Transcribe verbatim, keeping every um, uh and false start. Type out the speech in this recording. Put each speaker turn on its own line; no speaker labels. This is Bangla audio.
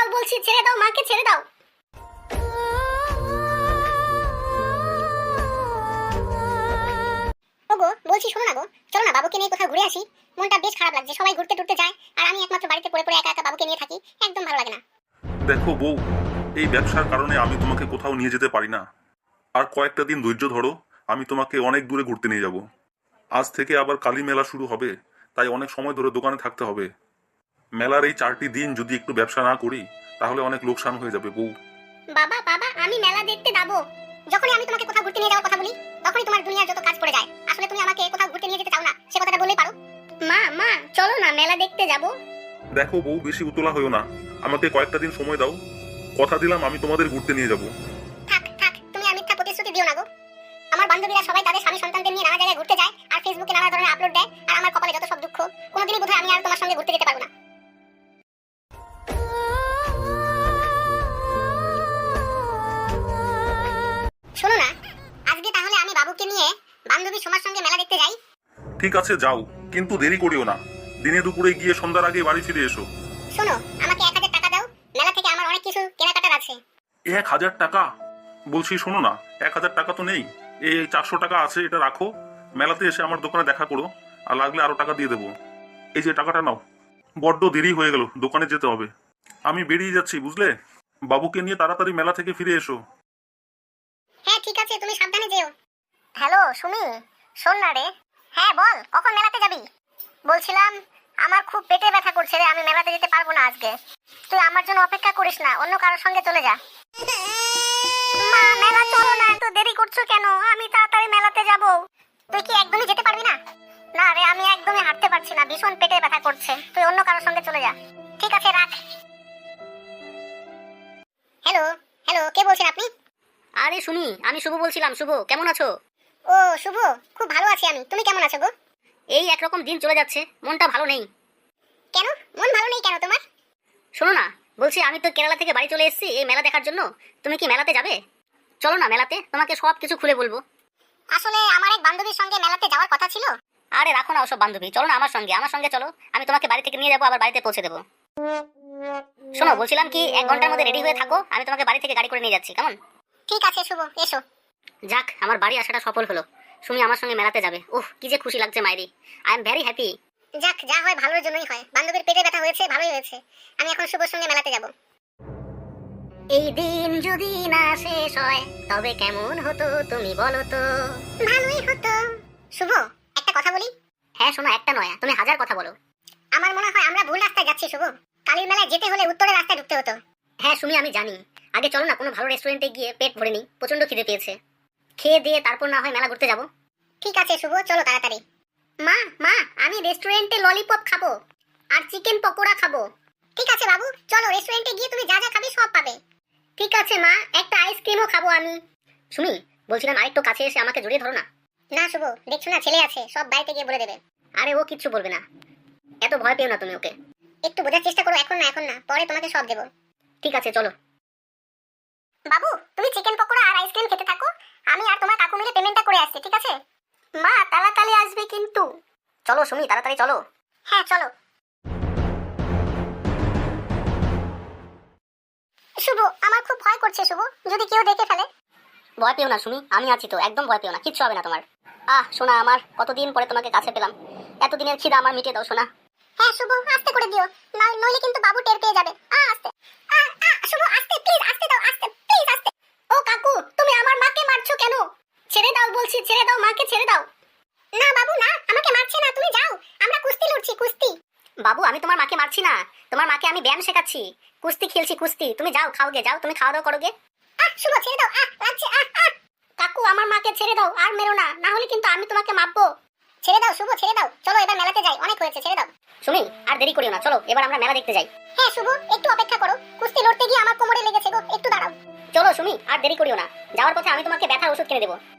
দাও বলছি, ছেড়ে দাও, মাকে ছেড়ে দাও। ওগো বলছি শোনো না গো, চলো না বাবুকে নিয়ে কোথাও ঘুরে আসি। মনটা বেশ খারাপ লাগছে, সবাই ঘুরতে টুরতে যায় আর আমি একমাত্র বাড়িতে পড়ে পড়ে একা একা বাবুকে নিয়ে থাকি, একদম ভালো লাগে না।
দেখো বউ, এই ব্যবসার কারণে আমি তোমাকে কোথাও নিয়ে যেতে পারি না। আর কয়েকটা দিন ধৈর্য ধরো, আমি তোমাকে অনেক দূরে ঘুরতে নিয়ে যাব। আজ থেকে আবার কালী মেলা শুরু হবে, তাই অনেক সময় ধরে দোকানে থাকতে হবে। মেলার এই চারটি দিন যদি একটু ব্যবসা না করি তাহলে অনেক লোকসান হয়ে যাবে বউ।
বাবা বাবা আমি মেলা দেখতে যাবো। যখনই আমি তোমাকে কোথাও ঘুরতে নিয়ে যাওয়ার কথা বলি তখনই তোমার দুনিয়ার যত কাজ পড়ে যায়। আসলে তুমি আমাকে কোথাও ঘুরতে নিয়ে যেতে চাও না, সে কথাটা বললেই পারো। মা মা চলো না মেলা দেখতে যাব।
দেখো বউ, বেশি উতলা হইও না, আমাকে কয়েকটা দিন সময় দাও। কথা দিলাম আমি তোমাদের ঘুরতে নিয়ে যাব।
থাক থাক, তুমি আর মিথ্যা প্রতিশ্রুতি দিও না গো। আমার বান্ধবীরা সবাই তাদের স্বামী সন্তানদের নিয়ে নানা জায়গায় ঘুরতে যায় আর ফেসবুকে নানা ধরনের আপলোড দেয়, আর আমার কপালে যত সব দুঃখ, কোনোদিনই বোধহয় আমি আর তোমার সঙ্গে ঘুরতে যেতে পারবো না। শোনো না, আজকে তাহলে আমি বাবুকে নিয়ে বান্ধবী সোমার সঙ্গে মেলা দেখতে যাই।
ঠিক আছে যাও, কিন্তু দেরি করিও না। দিনে দুপুরে গিয়ে সন্ধ্যার আগে বাড়ি ফিরে এসো।
শোনো, আমাকে এক হাজার টাকা দাও, মেলা থেকে আমার অনেক কিছু কেনাকাটার আছে।
এক হাজার টাকা? বলছি শোনো না, এক হাজার টাকা তো নেই, এই চারশো টাকা আছে, এটা রাখো। মেলাতে এসে আমার দোকানে দেখা করো, আর লাগলে আরো টাকা দিয়ে দেবো। এই যে টাকাটা নাও। বড্ড দেরি হয়ে গেল, দোকানে যেতে হবে। আমি বেরিয়ে যাচ্ছি, বুঝলে? বাবুকে নিয়ে তাড়াতাড়ি মেলা থেকে ফিরে এসো।
হ্যাঁ ঠিক আছে, তুমি সাবধানে যেও। হ্যালো সুমি, শোন না রে। হ্যাঁ বল, কখন মেলাতে যাবি? বলছিলাম আমার খুব পেটে ব্যথা করছে রে, আমি মেলাতে যেতে পারবো না আজকে। তুই আমার জন্য অপেক্ষা করিস না, অন্য কারোর সঙ্গে চলে যা। মা মেলা চলো না, এত দেরি করছো কেন? আমি তাড়াতাড়ি মেলাতে যাব। তুই কি একদমই যেতে পারবি না? না রে, আমি একদমই হাঁটতে পারছি না, ভীষণ পেটে ব্যথা করছে। তুই অন্য কারোর সঙ্গে চলে যা। ঠিক আছে রাখ। হ্যালো হ্যালো, কে বলছেন আপনি?
আরে সুমি, আমি শুভ বলছিলাম। শুভ, কেমন আছো?
ও শুভ, খুব ভালো আছি আমি, তুমি কেমন আছো গো?
এই একরকম দিন চলে যাচ্ছে, মনটা ভালো নেই।
কেন মন ভালো নেই কেন তোমার?
শোনো না, বলছি আমি তো কেরালা থেকে বাড়ি চলে এসেছি এই মেলা দেখার জন্য। তুমি কি মেলাতে যাবে? চলো না মেলাতে, তোমাকে সব কিছু খুলে বলবো।
আসলে আমার এক বান্ধবীর সঙ্গে মেলাতে যাওয়ার কথা ছিল।
আরে রাখো না ওসব বান্ধবী, চলো না আমার সঙ্গে, আমার সঙ্গে চলো। আমি তোমাকে বাড়ি থেকে নিয়ে যাবো, আবার বাড়িতে পৌঁছে দেবো। শোনো, বলছিলাম কি এক ঘন্টার মধ্যে রেডি হয়ে থাকো, আমি তোমাকে বাড়ি থেকে গাড়ি করে নিয়ে যাচ্ছি, কেমন?
ঠিক আছে শুভ, এসো।
যাক, আমার বাড়ি আসাটা সফল হলো। সুমি আমার সঙ্গে মেলাতে যাবে, উহ কি যে খুশি লাগছে মাইরি। I am very happy.
যাক, যা হয় ভালোর জন্যই হয়। বান্ধবীর পেটে ব্যথা হয়েছে, ভালোই হয়েছে। আমি এখন শুভর সঙ্গে মেলাতে যাব।
এই দিন যদি না শেষ হয় তবে কেমন হতো তুমি বলো তো?
ভালোই হতো। শুভ, একটা কথা বলি।
হ্যাঁ শোনো, একটা নয় তুমি হাজার কথা বলো।
আমার মনে হয় আমরা ভুল রাস্তায় যাচ্ছি শুভ। কালীর মেলায় যেতে হলে উত্তরের রাস্তায় ঢুকতে হতো।
হ্যাঁ সুমি, আমি জানি। আগে চলো না কোনো ভালো রেস্টুরেন্টে গিয়ে পেট ভরে নিই, প্রচন্ড খিদে পেয়েছে। খেয়ে দিয়ে তারপর না হয় মেলা ঘুরতে যাব।
ঠিক আছে শুভ, চলো তাড়াতাড়ি। মা মা, আমি রেস্টুরেন্টে ললিপপ খাবো আর চিকেন পকোড়া খাবো। ঠিক আছে বাবু, চলো রেস্টুরেন্টে গিয়ে তুমি যা যা খাবে সব পাবে। ঠিক আছে মা, একটা আইসক্রিমও খাবো আমি।
সুমি, বলছিলাম আরেকটু কাছে এসে আমাকে জড়িয়ে ধরো না।
না শুভ, দেখছো না ছেলে আছে, সব বাড়িতে গিয়ে বলে দেবে।
আরে ও কিচ্ছু বলবে না, এত ভয় পেও না তুমি ওকে।
একটু বোঝার চেষ্টা করো, এখন না এখন না, পরে তোমাকে সব দেবো।
ঠিক আছে চলো।
বাবু, তুমি চিকেন পকোড়া আর আইসক্রিম খেতে থাকো, আমি আর তোমার কাকু মিলে পেমেন্টটা করে আসছি, ঠিক আছে? মা তাড়াতাড়ি আসবে কিন্তু।
চলো সুমি, তাড়াতাড়ি চলো।
হ্যাঁ চলো। শুভ, আমার খুব ভয় করছে শুভ, যদি কেউ দেখে ফেলে।
ভয় পেও না সুমি, আমি আছি তো, একদম ভয় পেও না, কিচ্ছু হবে না তোমার। আহ সোনা আমার, কতদিন পরে তোমাকে কাছে পেলাম, এতদিনের খিদা আমার মিটিয়ে দাও সোনা।
হ্যাঁ শুভ, আস্তে করে দিও, নয় নইলে কিন্তু বাবু টের পেয়ে যাবে। আ আস্তে আ আ শুভ, আস্তে প্লিজ, আস্তে দাও, আস্তে প্লিজ, আস্তে। ও কাকু, তুমি আমার মাকে মারছো কেন? ছেড়ে দাও বলছি, ছেড়ে দাও, মাকে ছেড়ে দাও। না বাবু না, আমাকে মারছে না, তুমি যাও, আমরা কুস্তি লড়ছি, কুস্তি।
বাবু, আমি তোমার মাকে মারছি না, তোমার মাকে আমি ব্যায়াম শেখাচ্ছি, কুস্তি খেলছি কুস্তি। তুমি যাও, খাও গে, যাও তুমি খাওয়া দাওয়া করো গে।
আহ শুভ, ছেড়ে দাও, আহ লাগছে, আহ আহ। কাকু, আমার মাকে ছেড়ে দাও, আর মেরো না, না হলে কিন্তু আমি তোমাকে মারবো। ছেড়ে দাও শুভ, ছেড়ে দাও, চলো এবার মেলাতে যাই, অনেক হয়েছে, ছেড়ে দাও।
সুমি, আর দেরি করিও না, চলো এবার আমরা মেলা দেখতে যাই।
হ্যাঁ শুভ, একটু অপেক্ষা করো, কুস্তি লড়তে গিয়ে আমার কোমরে লেগেছে গো, একটু দাঁড়াও।
চলো সুমি, আর দেরি করিও না, যাওয়ার পথে আমি তোমাকে ব্যথার ওষুধ কিনে দেবো,